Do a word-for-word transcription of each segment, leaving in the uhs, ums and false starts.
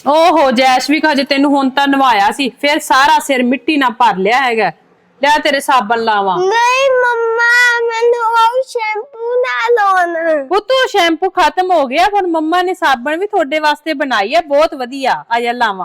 ओहो जैशविक हजे तेन हुण तां नवाया सी फिर सारा सिर मिट्टी ना भर लिया हैगा। ले तेरे साबन लावा। नहीं मम्मा मैंने वो शैम्पू ना लाना। पुत्तू शैम्पू खत्म हो गया पर मम्मा ने साबन भी थोड़े वास्ते बनाई है बहुत वधिया। आजा लावा।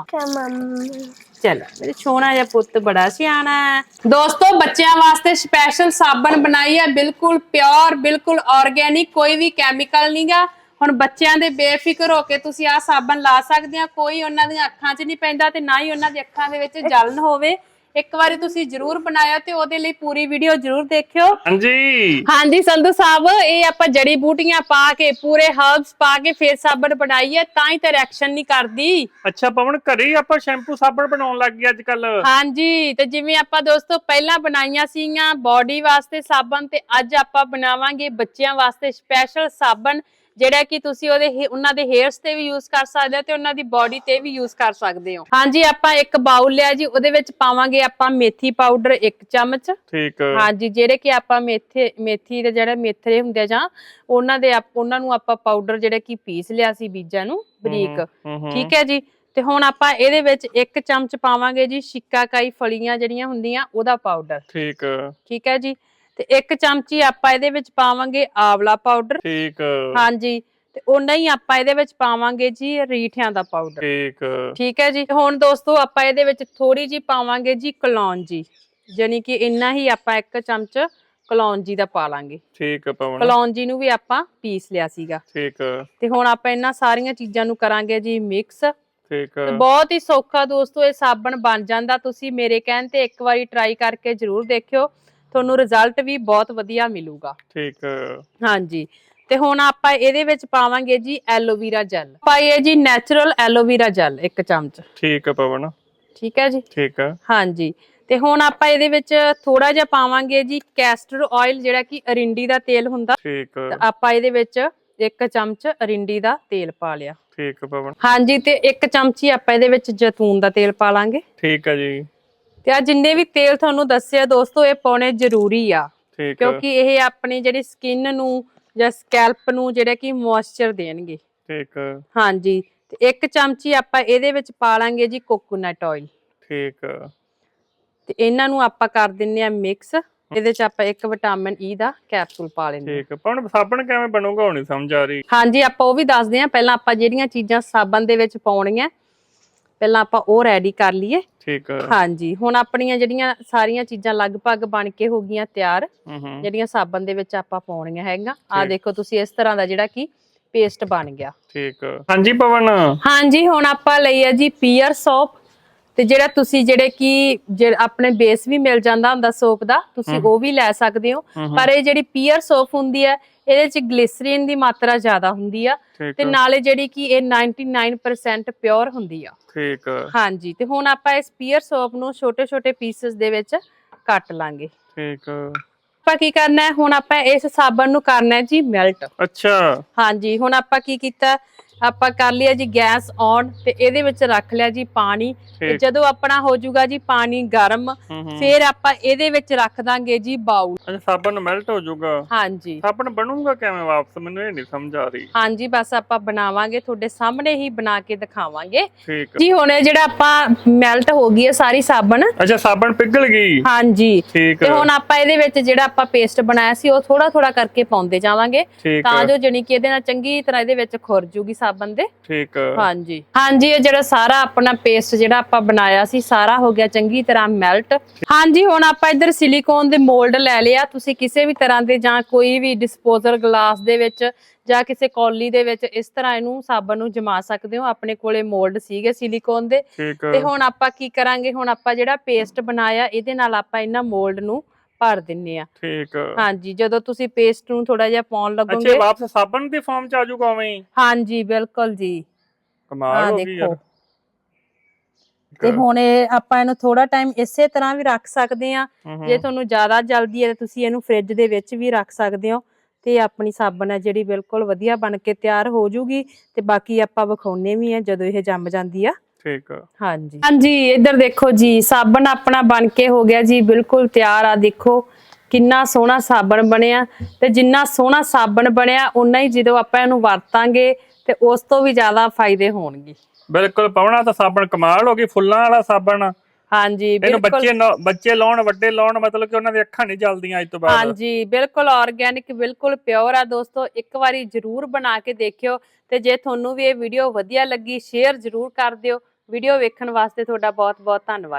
चल मेरे सोना जा पुत्त बड़ा सियाना है। दोस्तों बच्चों वास्ते स्पेशल साबन बनाई है बिल्कुल प्योर बिल्कुल ऑर्गेनिक कोई भी कैमिकल नहीं गा। ਹੁਣ ਬੱਚਿਆਂ ਦੇ ਬੇਫਿਕਰ ਹੋ ਕੇ ਤੁਸੀਂ ਆ ਸਾਬਣ ਲਾ ਸਕਦੇ ਆ ਕੋਈ ਉਹਨਾਂ ਦੀਆਂ ਅੱਖਾਂ 'ਚ ਨਹੀਂ ਪੈਂਦਾ ਤੇ ਨਾ ਹੀ ਉਹਨਾਂ ਦੀ ਅੱਖਾਂ ਦੇ ਵਿੱਚ ਜਲਨ ਹੋਵੇ। ਇੱਕ ਵਾਰੀ ਤੁਸੀਂ ਜਰੂਰ ਬਣਾਇਆ ਤੇ ਉਹਦੇ ਲਈ ਪੂਰੀ ਵੀਡੀਓ ਜਰੂਰ ਦੇਖਿਓ। ਹਾਂਜੀ ਹਾਂਜੀ ਸੰਧੂ ਸਾਹਿਬ ਇਹ ਆਪਾਂ ਜੜੀ ਬੂਟੀਆਂ ਪਾ ਕੇ ਪੂਰੇ ਹਰਬਸ ਪਾ ਕੇ ਫੇਰ ਸਾਬਣ ਬਣਾਈ ਹੈ ਤਾਂ ਹੀ ਤੇ ਰਿਐਕਸ਼ਨ ਨਹੀਂ ਕਰਦੀ। ਅੱਛਾ ਪਵਨ ਘਰੇ ਹੀ ਆਪਾਂ ਸ਼ੈਂਪੂ ਸਾਬਣ ਬਣਾਉਣ ਲੱਗ ਗਏ ਅੱਜ ਕੱਲ। ਹਾਂਜੀ ਤੇ ਜਿਵੇਂ ਆਪਾਂ ਦੋਸਤੋ ਪਹਿਲਾਂ ਬਣਾਈਆਂ ਸੀਗੀਆਂ ਬੋਡੀ ਵਾਸਤੇ ਸਾਬਣ ਤੇ ਅੱਜ ਆਪਾਂ ਬਣਾਵਾਂਗੇ ਬੱਚਿਆਂ ਵਾਸਤੇ ਸਪੈਸ਼ਲ ਸਾਬਣ ਜਿਹੜਾ ਕਿ ਤੁਸੀਂ ਉਹਦੇ ਉਹਨਾਂ ਦੇ ਹੇਅਰਸ ਤੇ ਵੀ ਯੂਜ਼ ਕਰ ਸਕਦੇ ਹੋ ਤੇ ਉਹਨਾਂ ਦੀ ਬਾਡੀ ਤੇ ਵੀ ਯੂਜ਼ ਕਰ ਸਕਦੇ ਹੋ। ਹਾਂਜੀ ਆਪਾਂ ਇੱਕ ਬਾਉਲ ਲਿਆ ਜੀ ਉਹਦੇ ਵਿੱਚ ਪਾਵਾਂਗੇ ਆਪਾਂ ਮੇਥੀ ਪਾਊਡਰ ਇੱਕ ਚਮਚ। ਠੀਕ ਹਾਂਜੀ ਜਿਹੜੇ ਕਿ ਆਪਾਂ ਮੇਥੇ ਮੇਥੀ ਦੇ ਜਿਹੜੇ ਮੇਥਰੇ ਹੁੰਦੇ ਆ ਜਾਂ ਉਹਨਾਂ ਦੇ ਉਹਨਾਂ ਨੂੰ ਆਪਾਂ ਪਾਊਡਰ ਜਿਹੜੇ ਕਿ ਪੀਸ ਲਿਆ ਸੀ ਬੀਜਾਂ ਨੂੰ ਬਰੀਕ। ਠੀਕ ਹੈ ਜੀ ਤੇ ਹੁਣ ਆਪਾਂ ਇਹਦੇ ਵਿੱਚ ਇੱਕ ਚਮਚ ਪਾਵਾਂਗੇ ਜੀ ਸ਼ਿਕਾਕਾਈ ਫਲੀਆਂ ਜਿਹੜੀਆਂ ਹੁੰਦੀਆਂ ਉਹਦਾ ਪਾਊਡਰ। ਠੀਕ ਠੀਕ ਹੈ ਜੀ ਤੇ ਇੱਕ ਚਮਚੀ ਆਪਾਂ ਇਹਦੇ ਵਿੱਚ ਪਾਵਾਂਗੇ ਆਵਲਾ ਪਾਊਡਰ। ਠੀਕ ਹਾਂਜੀ ਤੇ ਉਹਨਾਂ ਹੀ ਆਪਾਂ ਇਹਦੇ ਵਿੱਚ ਪਾਵਾਂਗੇ ਜੀ ਰੀਠਿਆਂ ਦਾ ਪਾਊਡਰ। ਠੀਕ ਠੀਕ ਹੈ ਜੀ ਹੁਣ ਦੋਸਤੋ ਆਪਾਂ ਇਹਦੇ ਵਿੱਚ ਥੋੜੀ ਜੀ ਪਾਵਾਂਗੇ ਜੀ ਕਲੌਂਜੀ ਯਾਨੀ ਕਿ ਇੰਨਾ ਹੀ ਆਪਾਂ ਇੱਕ ਚਮਚ ਕਲੌਂਜੀ ਦਾ ਪਾ ਲਾਂਗੇ। ਠੀਕ ਹੈ ਪਵਨ ਕਲੌਂਜੀ ਨੂੰ ਵੀ ਆਪਾਂ ਪੀਸ ਲਿਆ ਸੀਗਾ। ਠੀਕ ਤੇ ਹੁਣ ਆਪਾਂ ਇਹਨਾਂ ਸਾਰੀਆਂ ਚੀਜ਼ਾਂ ਨੂੰ ਕਰਾਂਗੇ ਜੀ ਮਿਕਸ। ਠੀਕ ਬਹੁਤ ਹੀ ਸੌਖਾ ਦੋਸਤੋ ਇਹ ਸਾਬਣ ਬਣ ਜਾਂਦਾ ਤੁਸੀਂ ਮੇਰੇ ਕਹਿਣ ਤੇ ਇੱਕ ਵਾਰੀ ਟਰਾਈ ਕਰਕੇ ਜਰੂਰ ਦੇਖਿਓ ਤੁਹਾਨੂੰ ਰਿਜ਼ਲਟ ਵੀ ਬਹੁਤ ਵਧੀਆ ਮਿਲੂਗਾ। ਠੀਕ ਹਾਂਜੀ ਤੇ ਹੁਣ ਆਪਾਂ ਇਹਦੇ ਵਿੱਚ ਪਾਵਾਂਗੇ ਜੀ ਐਲੋਵੀਰਾ ਜੈਲ ਪਾਈਏ ਜੀ ਨੈਚੁਰਲ ਐਲੋਵੀਰਾ ਜੈਲ ਇੱਕ ਚਮਚ। ਠੀਕ ਹੈ ਪਵਨ ਠੀਕ ਹੈ ਜੀ ਠੀਕ ਹੈ ਹਾਂਜੀ ਤੇ ਹੁਣ ਆਪਾਂ ਇਹਦੇ ਵਿੱਚ ਥੋੜਾ ਜਿਹਾ ਪਾਵਾਂਗੇ ਜੀ ਕੈਸਟਰ ਆਇਲ ਜਿਹੜਾ ਕਿ ਅਰਿੰਡੀ ਦਾ ਤੇਲ ਹੁੰਦਾ। ਠੀਕ ਆਪਾਂ ਇਹਦੇ ਵਿੱਚ ਇੱਕ ਚਮਚ ਅਰਿੰਡੀ ਦਾ ਤੇਲ ਪਾ ਲਿਆ। ਠੀਕ ਹੈ ਪਵਨ ਹਾਂਜੀ ਤੇ ਇੱਕ ਚਮਚੀ ਆਪਾਂ ਇਹਦੇ ਵਿੱਚ ਜੈਤੂਨ ਦਾ ਤੇਲ ਪਾ ਲਾਂਗੇ। ਠੀਕ ਹੈ ਜੀ ਤੇ ਆ ਜਿੰਨੇ ਵੀ ਤੇਲ ਤੁਹਾਨੂੰ ਦੱਸਿਆ ਦੋਸਤੋ ਇਹ ਪਾਉਣੇ ਜ਼ਰੂਰੀ ਆ ਕਿਉਂਕਿ ਇਹ ਆਪਣੀ ਜਿਹੜੀ ਸਕਿਨ ਨੂੰ ਜਾਂ ਸਕੈਲਪ ਨੂੰ ਜਿਹੜਾ ਕਿ ਮੋਇਸਚਰ ਦੇਣਗੇ। ਠੀਕ ਹਾਂਜੀ ਤੇ ਇੱਕ ਚਮਚੀ ਆਪਾਂ ਇਹਦੇ ਵਿੱਚ ਪਾ ਲਾਂਗੇ ਜੀ ਕੋਕੋਨਟ ਆਇਲ। ਠੀਕ ਤੇ ਇਹਨਾਂ ਨੂੰ ਆਪਾਂ ਕਰ ਦਿੰਨੇ ਆ ਮਿਕਸ। ਇਹਦੇ ਚ ਆਪਾਂ ਇੱਕ ਵਿਟਾਮਿਨ ਈ ਦਾ ਕੈਪਸੂਲ ਪਾ ਲੈਂਦੇ। ਠੀਕ ਪਰ ਸਾਬਣ ਕਿਵੇਂ ਬਣੂਗਾ ਹੁਣ ਸਮਝ ਆ ਰਹੀ। ਹਾਂਜੀ ਆਪਾਂ ਉਹ ਵੀ ਦੱਸਦੇ ਆ ਪਹਿਲਾਂ ਆਪਾਂ ਜਿਹੜੀਆਂ ਚੀਜ਼ਾਂ ਸਾਬਣ ਦੇ ਵਿੱਚ ਪਾਉਣੀਆਂ ਪਹਿਲਾਂ ਆਪਾਂ ਉਹ ਰੈਡੀ ਕਰ ਲਈਏ। ਠੀਕ ਹਾਂਜੀ ਹੁਣ ਆਪਣੀਆਂ ਜਿਹੜੀਆਂ ਸਾਰੀਆਂ ਚੀਜ਼ਾਂ ਲਗਭਗ ਬਣ ਕੇ ਹੋ ਗਈਆਂ ਤਿਆਰ ਜਿਹੜੀਆਂ ਸਾਬਣ ਦੇ ਵਿੱਚ ਆਪਾਂ ਪਾਉਣੀਆਂ ਹੈਗਾ। ਆ ਦੇਖੋ ਤੁਸੀਂ ਇਸ ਤਰ੍ਹਾਂ ਦਾ ਜਿਹੜਾ ਕਿ ਪੇਸਟ ਬਣ ਗਿਆ। ਠੀਕ ਹਾਂਜੀ ਪਵਨ ਹਾਂਜੀ ਹੁਣ ਆਪਾਂ ਲਈ ਆ ਜੀ ਪੀਅਰ ਸੋਪ ਤੇ ਜਿਹੜਾ ਤੁਸੀਂ ਜਿਹੜੇ ਕਿ ਆਪਣੇ ਬੇਸ ਵੀ ਮਿਲ ਜਾਂਦਾ ਹੁੰਦਾ ਸੋਪ ਦਾ ਤੁਸੀਂ ਉਹ ਵੀ ਲੈ ਸਕਦੇ ਹੋ ਪਰ ਇਹ ਜਿਹੜੀ ਪੀਅਰ ਸੋਪ ਹੁੰਦੀ ਹੈ ਇਹਦੇ ਚ ਗਲਿਸਰੀਨ ਦੀ ਮਾਤਰਾ ਜ਼ਿਆਦਾ ਹੁੰਦੀ ਆ ਤੇ ਨਾਲੇ ਜਿਹੜੀ ਕਿ ਇਹ ਨਿਨਆਨਵੇ ਪਰਸੈਂਟ ਪਿਓਰ ਹੁੰਦੀ ਆ। ਠੀਕ ਹਾਂਜੀ ਤੇ ਹੁਣ ਆਪਾਂ ਇਸ ਪੀਅਰ ਸੋਪ ਨੂੰ ਛੋਟੇ ਛੋਟੇ ਪੀਸਸ ਦੇ ਵਿੱਚ ਕੱਟ ਲਾਂਗੇ। ਠੀਕ ਆਪਾਂ ਕੀ ਕਰਨਾ ਹੈ ਹੁਣ ਆਪਾਂ ਇਸ ਸਾਬਣ ਨੂੰ ਕਰਨਾ ਹੈ ਜੀ ਮੈਲਟ। ਅੱਛਾ ਹਾਂਜੀ ਹੁਣ ਆਪਾਂ ਕੀ ਕੀਤਾ ਆਪਾਂ ਕਰ ਲਿਆ ਜੀ ਗੈਸ ਔਨ ਤੇ ਇਹਦੇ ਵਿੱਚ ਰੱਖ ਲਿਆ ਜੀ ਪਾਣੀ ਤੇ ਜਦੋਂ ਆਪਣਾ ਹੋ ਜਾਊਗਾ ਜੀ ਪਾਣੀ ਗਰਮ ਫਿਰ ਆਪਾਂ ਇਹਦੇ ਵਿੱਚ ਰੱਖ ਦਾਂਗੇ ਜੀ ਬਾਉਲ। ਅੱਛਾ ਸਾਬਣ ਮੈਲਟ ਹੋ ਜਾਊਗਾ। ਹਾਂਜੀ ਸਾਬਣ ਬਣੂਗਾ ਕਿਵੇਂ ਵਾਪਸ ਮੈਨੂੰ ਇਹ ਨਹੀਂ ਸਮਝ ਆ ਰਹੀ। ਹਾਂਜੀ ਬਸ ਆਪਾਂ ਬਣਾਵਾਂਗੇ ਤੁਹਾਡੇ ਸਾਹਮਣੇ ਹੀ ਬਣਾ ਕੇ ਦਿਖਾਵਾਂਗੇ। ਠੀਕ ਜੀ ਹੁਣ ਇਹ ਜਿਹੜਾ ਆਪਾਂ ਮੈਲਟ ਹੋ ਗਈ ਹੈ ਸਾਰੀ ਸਾਬਣ। ਅੱਛਾ ਸਾਬਣ ਪਿਘਲ ਗਈ। ਹਾਂਜੀ ਠੀਕ ਤੇ ਹੁਣ ਆਪਾਂ ਇਹਦੇ ਵਿੱਚ ਜਿਹੜਾ ਆਪਾਂ ਪੇਸਟ ਬਣਾਇਆ ਸੀ ਉਹ ਥੋੜਾ ਥੋੜਾ ਕਰਕੇ ਪਾਉਂਦੇ ਜਾਵਾਂਗੇ ਤਾਂ ਜੋ ਜਣੀ ਕਿ ਇਹਦੇ ਨਾਲ ਚੰਗੀ ਤਰ੍ਹਾਂ ਇਹਦੇ ਵਿੱਚ ਖੁਰ ਜੂਗੀ ਸਾਬਣ ਦੇ। ਠੀਕ ਹਾਂਜੀ ਹਾਂਜੀ ਇਹ ਜਿਹੜਾ ਸਾਰਾ ਆਪਣਾ ਪੇਸਟ ਜਿਹੜਾ ਆਪਾਂ ਬਣਾਇਆ ਸੀ ਸਾਰਾ ਹੋ ਗਿਆ ਚੰਗੀ ਤਰ੍ਹਾਂ ਮੈਲਟ। ਹਾਂਜੀ ਹੁਣ ਆਪਾਂ ਇੱਧਰ ਸਿਲੀਕੋਨ ਦੇ ਮੋਲਡ ਲੈ ਲਿਆ ਤੁਸੀਂ ਕਿਸੇ ਵੀ ਤਰ੍ਹਾਂ ਦੇ ਜਾਂ ਕੋਈ ਵੀ ਡਿਸਪੋਜ਼ਲ ਗਲਾਸ ਦੇ ਵਿੱਚ ਜਾਂ ਕਿਸੇ ਕੌਲੀ ਦੇ ਵਿੱਚ ਇਸ ਤਰ੍ਹਾਂ ਇਹਨੂੰ ਸਾਬਣ ਨੂੰ ਜਮਾ ਸਕਦੇ ਹੋ। ਆਪਣੇ ਕੋਲੇ ਮੋਲਡ ਸੀਗੇ ਸਿਲੀਕੋਨ ਦੇ ਤੇ ਹੁਣ ਆਪਾਂ ਕੀ ਕਰਾਂਗੇ ਹੁਣ ਆਪਾਂ ਜਿਹੜਾ ਪੇਸਟ ਬਣਾਇਆ ਇਹਦੇ ਨਾਲ ਆਪਾਂ ਇਹਨਾਂ ਮੋਲਡ ਨੂੰ ਭਰ ਦਿੰਨੇ ਆ। ਠੀਕ ਹਾਂਜੀ ਜਦੋਂ ਤੁਸੀਂ ਪੇਸਟ ਨੂੰ ਥੋੜਾ ਜਿਹਾ ਪਾਉਣ ਲੱਗੋਗੇ ਅੱਛਾ ਵਾਪਸ ਸਾਬਣ ਦੀ ਫਾਰਮ ਚ ਆ ਜਾਊਗਾ ਉਵੇਂ। ਹਾਂਜੀ ਬਿਲਕੁਲ ਜੀ ਕਮਾਲ ਹੋ ਗਈ ਯਾਰ। ਤੇ ਹੁਣ ਇਹ ਆਪਾਂ ਇਹਨੂੰ ਥੋੜਾ ਟਾਈਮ ਇਸੇ ਤਰ੍ਹਾਂ ਵੀ ਰੱਖ ਸਕਦੇ ਆ ਜੇ ਤੁਹਾਨੂੰ ਜ਼ਿਆਦਾ ਜਲਦੀ ਹੈ ਤੁਸੀਂ ਇਹਨੂੰ ਫ੍ਰਿਜ ਦੇ ਵਿੱਚ ਵੀ ਰੱਖ ਸਕਦੇ ਹੋ ਤੇ ਆਪਣੀ ਸਾਬਣ ਹੈ ਜਿਹੜੀ ਬਿਲਕੁਲ ਵਧੀਆ ਬਣ ਕੇ ਤਿਆਰ ਹੋ ਜੂਗੀ ਤੇ ਬਾਕੀ ਆਪਾਂ ਵਿਖਾਉਣੇ ਵੀ ਆ ਜਦੋਂ ਇਹ ਜੰਮ ਜਾਂਦੀ ਆ। ਠੀਕ ਹਾਂਜੀ ਹਾਂਜੀ ਇੱਧਰ ਦੇਖੋ ਜੀ ਸਾਬਣ ਆਪਣਾ ਬਣ ਕੇ ਹੋ ਗਿਆ ਜੀ ਬਿਲਕੁਲ ਤਿਆਰ ਆ। ਦੇਖੋ ਕਿੰਨਾ ਸੋਹਣਾ ਸਾਬਣ ਬਣਿਆ ਤੇ ਜਿੰਨਾ ਸੋਹਣਾ ਸਾਬਣ ਬਣਿਆ ਉਨਾ ਹੀ ਜਦੋਂ ਆਪਾਂ ਇਹਨੂੰ ਵਰਤਾਂਗੇ ਤੇ ਉਸ ਤੋਂ ਵੀ ਜ਼ਿਆਦਾ ਫਾਇਦੇ ਹੋਣਗੇ। ਬਿਲਕੁਲ ਪਵਣਾ ਤਾਂ ਸਾਬਣ ਕਮਾਲ ਹੋ ਗਈ, ਫੁੱਲਾਂ ਵਾਲਾ ਸਾਬਣ। ਹਾਂਜੀ ਇਹਨੂੰ ਬਿਲਕੁਲ ਬੱਚੇ ਨੌ- ਬੱਚੇ ਲਾਉਣ, ਵੱਡੇ ਲਾਉਣ, ਮਤਲਬ ਕਿ ਉਹਨਾਂ ਦੀ ਅੱਖਾਂ ਨਹੀਂ ਜਲਦੀਆਂ ਅੱਜ ਤੋਂ ਬਾਅਦ। ਹਾਂਜੀ ਬਿਲਕੁਲ ਆਰਗੈਨਿਕ, ਬਿਲਕੁਲ ਪਿਓਰ ਆ ਦੋਸਤੋ। ਇੱਕ ਵਾਰੀ ਜਰੂਰ ਬਣਾ ਕੇ ਦੇਖਿਓ, ਤੇ ਜੇ ਤੁਹਾਨੂੰ ਵੀ ਇਹ ਵੀਡੀਓ ਵਧੀਆ ਲੱਗੀ ਸ਼ੇਅਰ ਜਰੂਰ ਕਰ ਦਿਓ। ਵੀਡੀਓ ਵੇਖਣ ਵਾਸਤੇ ਤੁਹਾਡਾ ਬਹੁਤ ਬਹੁਤ ਧੰਨਵਾਦ।